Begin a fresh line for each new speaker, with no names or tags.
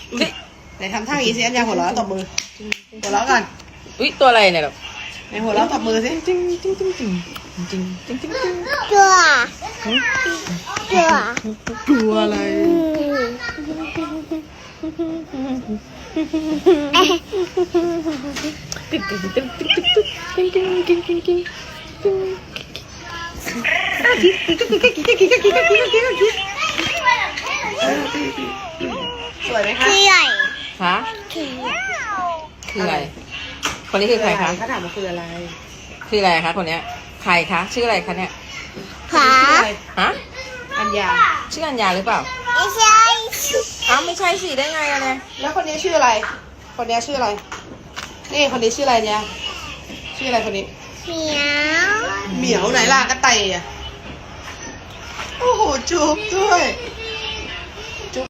ไหนทำท่าอย่างนี้สิอันยาหัวเราะตบมือหัวเราะก่อน
อุ๊ยตัวอะไรเนี่ยแบบ
ในหัวเราะตบมือสิ
จริงจริงจริงจริงจริงจริงจริงจริง
ตัวตัว
กลัวอะไร
ติ๊กติ๊กติ๊กติ๊กติ๊กติ๊กติ๊กติ๊กติ๊กติ๊กติ๊กติ๊กติ๊กติ๊กติ๊กติ๊ก
สวยไหมคะ
คือใหญ่
คะ
คือ
คืออะไร คนนี้คือใครคะ
เขาถามว่าคืออะไร
คืออะไรคะคนเนี้ยใครคะชื่ออะไรคะเนี่ย
ขา
ชื่ออะไร
ฮะ
อัญญา
ชื่ออัญญาหรือเปล่า
ไม่ใช่
อ้าวไม่ใช่สิได้ไงอะเนี่ย
แล้วคนนี้ชื่ออะไร คนนี้ชื่ออะไร นี่คนนี้ชื่ออะไรเนี่ย ชื่ออะไรคนนี้
เหมียว
เหมียวไหนล่ะกระต่ายอ่ะ โอ้โหจูบด้วย
เ